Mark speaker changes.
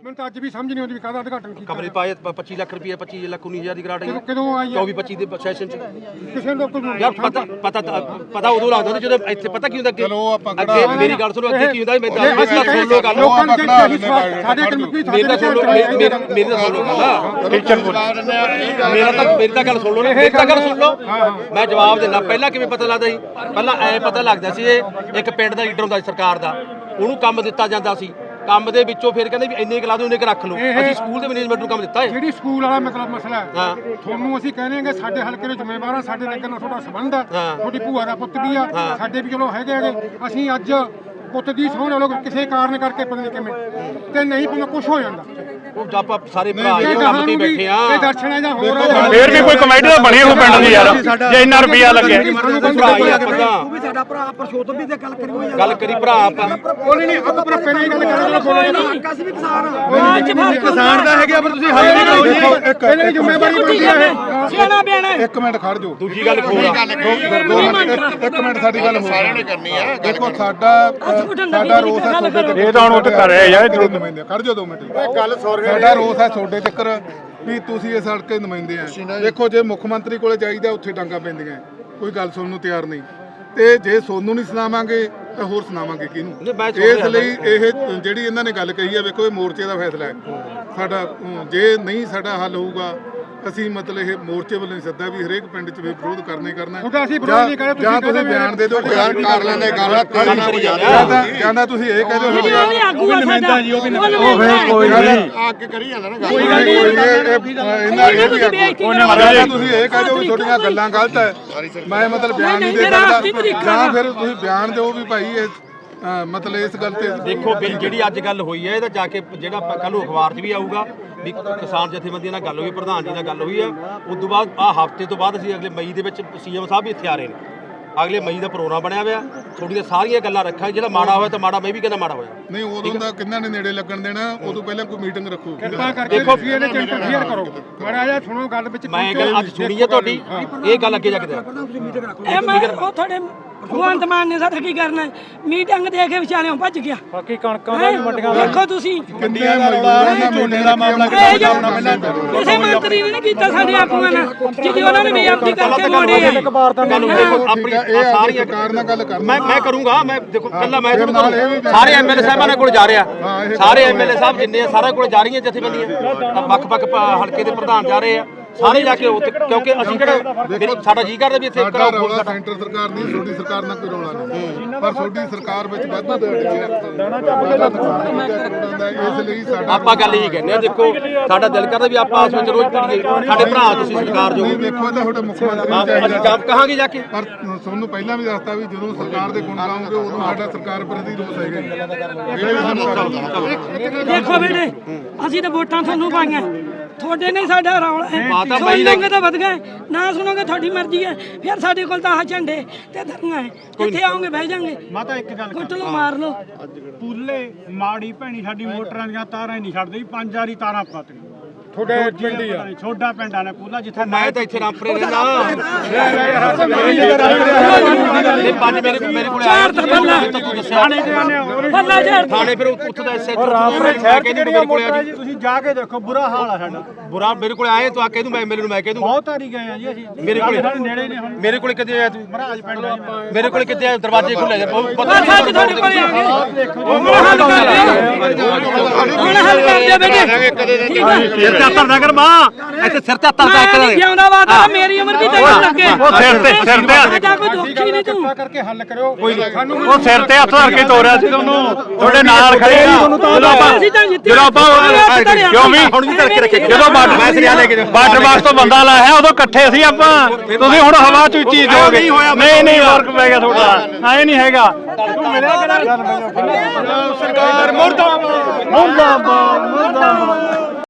Speaker 1: ਮੈਨੂੰ ਤਾਂ ਅੱਜ ਵੀ ਸਮਝ ਨਹੀਂ ਆਉਂਦੀ ਵੀ ਕਾਹਦਾ ਉਦਘਾਟਨ ਕੀਤਾ
Speaker 2: ਕਮਰੇ ਪਾਏ 25 ਲੱਖ ਰੁਪਏ 25 ਲੱਖ 19,000 ਦੀ ਗ੍ਰਾਂਟ ਆਈ
Speaker 1: ਕਦੋਂ ਆਈ
Speaker 2: 24-25 ਦੇ ਸੈਸ਼ਨ ਚ
Speaker 1: ਕਿਸੇ ਨੂੰ ਕੋਈ
Speaker 2: ਯਾਰ ਪਤਾ ਉਦੋਂ ਲੱਗਦਾ ਹੁੰਦਾ ਜਦੋਂ ਇੱਥੇ ਪਤਾ ਕੀ ਹੁੰਦਾ ਅੱਗੇ ਮੇਰੀ ਗੱਲ ਸੁਣੋ ਅੱਗੇ ਕੀ ਹੁੰਦਾ ਮੈਂ ਸੁਣ ਲਓ ਗੱਲ
Speaker 1: ਸਾਡੇ
Speaker 2: ਮੇਰੀ ਤਾਂ ਸੁਣ ਲਓ ਗੱਲ ਮੇਰੀ ਤਾਂ ਗੱਲ ਸੁਣ ਲਓ ਮੇਰੀ ਤਾਂ ਗੱਲ ਸੁਣ ਲਓ ਮੈਂ ਜਵਾਬ ਦਿੰਦਾ ਪਹਿਲਾਂ ਕਿਵੇਂ ਪਤਾ ਲੱਗਦਾ ਸੀ ਪਹਿਲਾਂ ਐ ਪਤਾ ਲੱਗਦਾ ਸੀ ਇਹ ਇੱਕ ਪਿੰਡ ਦਾ ਲੀਡਰ ਹੁੰਦਾ ਸੀ ਸਰਕਾਰ ਦਾ ਉਹਨੂੰ ਕੰਮ ਦਿੱਤਾ ਜਾਂਦਾ ਸੀ ਕੰਮ ਦੇ ਵਿੱਚੋਂ ਫਿਰ ਕਹਿੰਦੇ ਵੀ ਇੰਨੇ ਕਲਾ ਦੇ ਉਹਨੇ ਰੱਖ ਲਓ ਅਸੀਂ ਸਕੂਲ ਦੇ ਮੈਨੇਜਮੈਂਟ ਨੂੰ ਕੰਮ ਦਿੱਤਾ ਹੈ
Speaker 1: ਜਿਹੜੀ ਸਕੂਲ ਵਾਲਾ ਮਤਲਬ ਮਸਲਾ ਹੈ ਤੁਹਾਨੂੰ ਅਸੀਂ ਕਹਿੰਦੇ ਹਾਂ ਸਾਡੇ ਹਲਕੇ ਦੇ ਜ਼ਿੰਮੇਵਾਰ ਆ ਸਾਡੇ ਨਗਰ ਨਾਲ ਤੁਹਾਡਾ ਸੰਬੰਧ ਆ ਤੁਹਾਡੀ ਭੂਆ ਦਾ ਪੁੱਤ ਵੀ ਆ ਸਾਡੇ ਵੀ ਚਲੋ ਹੈਗੇ ਅਸੀਂ ਅੱਜ ਪੁੱਤ ਦੀ ਸੋਹਣ ਲੋਕ ਕਿਸੇ ਕਾਰਨ ਕਰਕੇ ਪਤਾ ਨਹੀਂ ਕਿਵੇਂ ਤੇ ਨਹੀਂ ਪਤਾ ਕੁਝ ਹੋ ਜਾਂਦਾ
Speaker 2: ਉਹ ਆਪਾਂ ਸਾਰੇ ਭਰਾ ਇਹ ਕੰਮ ਤੇ ਬੈਠੇ ਆ
Speaker 1: ਇਹ ਦਰਸ਼ਨ ਹੈ ਜਾਂ ਹੋਰ
Speaker 3: ਫੇਰ ਵੀ ਕੋਈ ਕਮੇਟੀ ਤਾਂ ਬਣੀ ਹੋ ਪਿੰਡ ਦੀ ਯਾਰ ਜੇ ਇੰਨਾ ਰੁਪਿਆ ਲੱਗਿਆ
Speaker 2: ਭਰਾ ਹੀ ਆਪਾਂ
Speaker 4: ਉਹ ਵੀ ਸਾਡਾ ਭਰਾ ਪਰਸ਼ੋਤਮ ਵੀ ਤੇ ਗੱਲ ਕਰੀ ਹੋਈ
Speaker 2: ਗੱਲ ਕਰੀ ਭਰਾ ਆਪਾਂ
Speaker 1: ਉਹ ਨਹੀਂ ਆਪਾਂ ਪਰ ਪਹਿਲਾਂ ਹੀ ਗੱਲ ਕਰਾਂਗੇ
Speaker 4: ਕਾਸ ਵੀ ਕਿਸਾਨ
Speaker 1: ਕਿਸਾਨ ਦਾ ਹੈਗਾ ਪਰ ਤੁਸੀਂ ਹੱਲ ਨਹੀਂ ਕਰੋ ਜੀ ਪਹਿਲਾਂ ਹੀ ਜ਼ਿੰਮੇਵਾਰੀ ਬਣਦੀ ਹੈ
Speaker 4: ਸਿਆਣਾ ਬਿਆਣਾ
Speaker 5: ਇੱਕ ਮਿੰਟ ਖੜ ਜਾਓ
Speaker 2: ਦੂਜੀ ਗੱਲ ਖੋਲ
Speaker 5: ਇੱਕ ਮਿੰਟ ਸਾਡੀ ਗੱਲ ਸਾਰਿਆਂ ਨੇ ਕਰਨੀ ਆ ਦੇਖੋ ਸਾਡਾ ਰੋਸ ਹੈ ਤੁਹਾਡੇ ਤੇ
Speaker 3: ਇਹ ਤਾਂ ਹੁਣ ਉੱਥੇ ਕਰ ਰਿਹਾ ਯਾਰ
Speaker 5: ਖੜ ਜਾਓ 2 ਮਿੰਟ ਗੱਲ ਸਾਡਾ ਰੋਸ ਹੈ ਤੁਹਾਡੇ ਚੱਕਰ ਵੀ ਤੁਸੀਂ ਇਸ ਹਲਕੇ ਨੁਮਾਇੰਦੇ ਆ ਦੇਖੋ ਜੇ ਮੁੱਖ ਮੰਤਰੀ ਕੋਲੇ ਜਾਈਦਾ ਉੱਥੇ ਡਾਂਗਾ ਪੈਂਦੀਆਂ ਕੋਈ ਗੱਲ ਸੁਣਨ ਨੂੰ ਤਿਆਰ ਨਹੀਂ ਤੇ ਜੇ ਸੋਨੂੰ ਨਹੀਂ ਸੁਣਾਵਾਂਗੇ ਤਾਂ ਹੋਰ ਸੁਣਾਵਾਂਗੇ ਕਿਹਨੂੰ ਇਸ ਲਈ ਇਹ ਜਿਹੜੀ ਇਹਨਾਂ ਨੇ ਗੱਲ ਕਹੀ ਹੈ ਵੇਖੋ ਇਹ ਮੋਰਚੇ ਦਾ ਫੈਸਲਾ ਹੈ ਸਾਡਾ ਜੇ ਨਹੀਂ ਸਾਡਾ ਹੱਲ ਹੋਊਗਾ ਅਸੀਂ ਮਤਲਬ ਇਹ ਮੋਰਚੇ ਵੱਲੋਂ ਸੱਦਾ ਵੀ ਹਰੇਕ ਪਿੰਡ 'ਚ ਵਿਰੋਧ ਕਰਨਾ ਹੀ ਕਰਨਾ ਜਾਂ ਤੁਸੀਂ ਬਿਆਨ ਦੇ ਦਿਓ ਬਿਆਨ ਕਰ ਲੈਂਦੇ ਗੱਲ ਕਹਿੰਦਾ ਤੁਸੀਂ ਇਹ ਕਹਿ ਦਿਓ
Speaker 1: ਅੱਗੇ ਕਰੀ ਜਾਂਦਾ ਨਾ
Speaker 5: ਤੁਸੀਂ ਇਹ ਕਹਿ ਦਿਓ ਵੀ ਤੁਹਾਡੀਆਂ ਗੱਲਾਂ ਗਲਤ ਹੈ ਮੈਂ ਮਤਲਬ ਬਿਆਨ ਨਹੀਂ ਦੇ ਸਕਦਾ ਜਾਂ ਫਿਰ ਤੁਸੀਂ ਬਿਆਨ ਦਿਓ ਵੀ ਭਾਈ ਇਹ ਮਤਲਬ ਇਸ ਗੱਲ ਤੇ
Speaker 2: ਦੇਖੋ ਜਿਹੜੀ ਅੱਜ ਗੱਲ ਹੋਈ ਹੈ ਇਹਦਾ ਜਾ ਕੇ ਜਿਹੜਾ ਕੱਲ ਨੂੰ ਅਖਬਾਰ 'ਚ ਵੀ ਆਊਗਾ ਵੀ ਕਿਸਾਨ ਜਥੇਬੰਦੀਆਂ ਨਾਲ ਗੱਲ ਹੋਈ ਪ੍ਰਧਾਨ ਜੀ ਨਾਲ ਗੱਲ ਹੋਈ ਆ ਉਸ ਤੋਂ ਬਾਅਦ ਹਫ਼ਤੇ ਤੋਂ ਬਾਅਦ ਅਸੀਂ ਅਗਲੇ ਮਈ ਦੇ ਵਿੱਚ ਸੀਐਮ ਸਾਹਿਬ ਵੀ ਇੱਥੇ ਆ ਰਹੇ ਨੇ ਅਗਲੇ ਮਈ ਦਾ ਪ੍ਰੋਗਰਾਮ ਬਣਿਆ ਹੋਇਆ ਥੋੜੀਆਂ ਸਾਰੀਆਂ ਗੱਲਾਂ ਰੱਖਾਂਗੇ ਜਿਹੜਾ ਮਾੜਾ ਹੋਇਆ ਤਾਂ ਮਾੜਾ ਮੈਂ ਵੀ ਕਹਿੰਦਾ ਮਾੜਾ ਹੋਇਆ
Speaker 5: ਨਹੀਂ ਉਦੋਂ ਦਾ ਕਿੰਨਾ ਨੇ ਨੇੜੇ ਲੱਗਣ ਦੇਣਾ ਉਦੋਂ ਪਹਿਲਾਂ ਕੋਈ ਮੀਟਿੰਗ ਰੱਖੋ
Speaker 1: ਕਿਰਪਾ ਕਰਕੇ ਤੁਸੀਂ ਇਹਦੇ ਚ ਇੰਟਰਫੇਅਰ ਕਰੋ ਮਾੜਾ ਜਿਹਾ ਸੁਣੋ ਗੱਲ ਵਿੱਚ
Speaker 2: ਮੈਂ ਗੱਲ ਅੱਜ ਸੁਣੀ ਹੈ ਤੁਹਾਡੀ ਇਹ ਗੱਲ ਅੱਗੇ ਜਾ ਕੇ
Speaker 4: ਇਹ ਮੈਂ ਉਹ ਤੁਹਾਡੇ ਭਗਵੰਤ ਮਾਨ ਨੇ ਸਾਡਾ ਕੀ ਕਰਨਾ ਮੀਟਿੰਗ ਦੇ ਕੇ ਵਿਚਾਰਿਓਂ ਭੱਜ ਗਿਆ
Speaker 3: ਬਾਕੀ ਕਣਕਾਂ ਦਾ ਵੀ ਮੰਡੀਆਂ ਦਾ
Speaker 4: ਦੇਖੋ ਤੁਸੀਂ
Speaker 5: ਕਿੰਨੀਆਂ ਝੋਨੇ ਦਾ ਮਾਮਲਾ
Speaker 4: ਕਿਸੇ ਮੰਤਰੀ ਨੇ ਨਹੀਂ ਕੀਤਾ ਸਾਡੇ ਆਪੂਆਂ ਨਾਲ ਜਿਹਦੀ ਉਹਨਾਂ ਨੇ ਬੇਅਦਬੀ ਕਰਕੇ ਮੋੜੇ ਆ
Speaker 2: ਆਪਣੀ ਸਾਰੀਆਂ
Speaker 5: ਕਾਰਨ ਗੱਲ ਕਰ
Speaker 2: ਮੈਂ ਕਰੂੰਗਾ ਮੈਂ ਦੇਖੋ ਕੱਲਾ ਮੈਂ ਸਾਰੇ ਐਮਐਲਏ ਸਾਹਿਬਾਂ ਨਾਲ ਕੋਲ ਜਾ ਰਿਹਾ ਸਾਰੇ ਐਮਐਲਏ ਸਾਹਿਬ ਜਿੰਨੇ ਆ ਸਾਰਾ ਕੋਲ ਜਾ ਰਹੀਆਂ ਜਥੇਬੰਦੀਆਂ ਵੱਖ-ਵੱਖ ਹਲਕੇ ਦੇ ਪ੍ਰਧਾਨ ਜਾ ਰਹੇ ਆ ਸਾਰੇ ਜਾ ਕੇ ਕਿਉਂਕਿ ਅਸੀਂ ਕਿਹੜਾ ਸਾਡਾ ਜੀ ਕਰਦਾ ਵੀ ਇੱਥੇ
Speaker 5: ਰੌਲਾ ਸੈਂਟਰ ਸਰਕਾਰ ਨਹੀਂ ਛੋਟੀ ਸਰਕਾਰ ਨਾਲ ਕੋਈ ਰੌਲਾ ਨਹੀਂ ਪਰ ਛੋਟੀ ਸਰਕਾਰ ਵਿੱਚ ਵਾਧਾ ਇਸ ਲਈ ਸਾਡਾ
Speaker 2: ਆਪਾਂ ਗੱਲ ਇਹੀ ਕਹਿੰਦੇ ਆ ਦੇਖੋ ਸਾਡਾ ਦਿਲ ਕਰਦਾ ਵੀ ਆਪਾਂ ਆਪਸ ਵਿੱਚ ਰੋਜ਼ ਪੜੀਏ ਸਾਡੇ ਭਰਾ ਤੁਸੀਂ ਸਰਕਾਰ ਜੋ
Speaker 5: ਦੇਖੋ ਤਾਂ ਤੁਹਾਡੇ ਮੁੱਖ ਮੰਤਰੀ
Speaker 2: ਅਸੀਂ ਕੰਮ ਕਹਾਂਗੇ ਜਾ ਕੇ
Speaker 5: ਪਰ ਤੁਹਾਨੂੰ ਪਹਿਲਾਂ ਵੀ ਦੱਸਤਾ ਵੀ ਜਦੋਂ ਸਰਕਾਰ ਦੇ ਗੁਣ ਗਾਉਂਗੇ ਉਦੋਂ ਸਾਡਾ ਸਰਕਾਰ ਪ੍ਰਤੀ ਰੋਸ ਹੈਗਾ
Speaker 4: ਦੇਖੋ ਬੇਟੇ ਅਸੀਂ ਤਾਂ ਵੋਟਾਂ ਤੁਹਾਨੂੰ ਪਾਈਆਂ ਤੁਹਾਡੇ ਨੇ ਸਾਡਾ ਰੌਲਾ ਹੈ ਸੁਣੋਗੇ ਤਾਂ ਵਧ ਗਏ ਨਾ ਸੁਣੋਗੇ ਤੁਹਾਡੀ ਮਰਜ਼ੀ ਹੈ ਫਿਰ ਸਾਡੇ ਕੋਲ ਤਾਂ ਆਹ ਝੰਡੇ ਤੇ ਧਰਨਾ ਹੈ ਕਿੱਥੇ ਆਉਂਗੇ ਬਹਿ ਜਾਾਂਗੇ
Speaker 3: ਮਾਤਾ ਇੱਕ ਗੱਲ
Speaker 4: ਕੁੱਟ ਲਓ ਮਾਰ ਲਓ
Speaker 3: ਪੂਲੇ ਮਾੜੀ ਭੈਣੀ ਸਾਡੀ ਮੋਟਰਾਂ ਦੀਆਂ ਤਾਰਾਂ ਹੀ ਨਹੀਂ ਛੱਡਦੀ 5 ਵਾਰੀ ਤਾਰਾਂ ਪਾਤੀਆਂ
Speaker 1: ਤੁਹਾਡੇ ਪਿੰਡ ਹੀ ਆ
Speaker 3: ਛੋਡਾ ਪਿੰਡਾਂ ਨੇ ਪੂਲਾ ਜਿੱਥੇ
Speaker 2: ਮੈਂ ਤਾਂ ਇੱਥੇ ਰਾਮਪੁਰੇ ਰਹਿੰਦਾ ਪੰਜ ਮੇਰੇ ਕੋਲ ਆਇਆ ਤੂੰ ਦੱਸਿਆ
Speaker 4: ਬੱਲਾ ਝਾੜ
Speaker 2: ਥਾਣੇ ਫਿਰ ਉੱਥੇ ਦਾ ਐਸਐਚ
Speaker 3: ਰਾਮਪੁਰੇ ਸ਼ਹਿਰ ਕਿੰਨੀਆਂ ਮੋਟਰਾਂ ਜੀ ਤੁਸੀਂ ਜਾ ਕੇ ਦੇਖੋ ਬੁਰਾ ਹਾਲ ਆ ਸਾਡਾ
Speaker 2: ਬੁਰਾ ਮੇਰੇ ਕੋਲ ਆਏ ਤੂੰ ਆ ਕਹਿ ਦੂੰ ਮੈਂ ਮੇਰੇ ਨੂੰ ਮੈਂ ਕਹਿ ਦੂੰ
Speaker 3: ਬਹੁਤ ਵਾਰੀ ਗਏ ਆ ਜੀ ਅਸੀਂ
Speaker 2: ਮੇਰੇ ਕੋਲ
Speaker 3: ਨੇੜੇ ਨੇ ਹੁਣ
Speaker 2: ਮੇਰੇ ਕੋਲ ਕਿੱਥੇ ਆਇਆ ਤੂੰ
Speaker 3: ਮਹਾਰਾਜ ਪਿੰਡ ਆ
Speaker 2: ਮੇਰੇ ਕੋਲ ਕਿੱਥੇ ਆਇਆ ਦਰਵਾਜ਼ੇ ਖੁੱਲੇ ਜਾ
Speaker 4: ਬਸ ਅੱਜ ਤੁਹਾਡੇ ਕੋਲੇ ਆ ਗਏ ਹੁਣ ਹੱਲ ਕਰ ਦਿਓ ਹੁਣ ਹੱਲ ਕਰ ਦਿਓ ਬੇਟੇ
Speaker 2: ਸਿਰ ਤੇ ਹੱਥ ਕਰ ਮਾਂ ਇੱਥੇ ਸਿਰ ਤੇ ਹੱਥ
Speaker 4: ਮੈਂ ਜਿਉਂਦਾ ਵਾਦਾ ਮੇਰੀ ਉਮਰ ਵੀ ਤੈਨੂੰ ਲੱਗੇ
Speaker 3: ਉਹ ਸਿਰ ਤੇ
Speaker 4: ਸਾਡਾ ਕੋਈ ਦੁੱਖ ਹੀ ਨਹੀਂ ਤੂੰ
Speaker 1: ਕਰਕੇ ਹੱਲ ਕਰਿਓ ਸਾਨੂੰ
Speaker 3: ਉਹ ਸਿਰ ਤੇ ਹੱਥ ਧਰ ਕੇ ਤੋਰਿਆ ਸੀ ਤੁਹਾਨੂੰ ਤੁਹਾਡੇ ਨਾਲ ਖੜੇ ਆ ਜਦੋਂ ਆਪਾਂ ਕਿਉਂ ਵੀ
Speaker 2: ਹੁਣ ਵੀ ਧਰ ਕੇ ਰੱਖੇ
Speaker 3: ਜਦੋਂ ਬਾਰਡਰ ਬਾਕਸ ਤੋਂ ਬੰਦਾ ਲਾਇਆ ਉਦੋਂ ਇਕੱਠੇ ਸੀ ਆਪਾਂ ਤੁਸੀਂ ਹੁਣ ਹਵਾ ਚ ਉੱਚੀ ਦਿਓਗੇ ਨਹੀਂ ਫਰਕ ਪੈ ਗਿਆ ਤੁਹਾਡਾ ਐ ਨਹੀਂ ਹੈਗਾ ਤੂੰ ਮਿਲਿਆ ਕਿਹੜਾ ਸਰਕਾਰ ਮੁਰਦਾਬਾਦ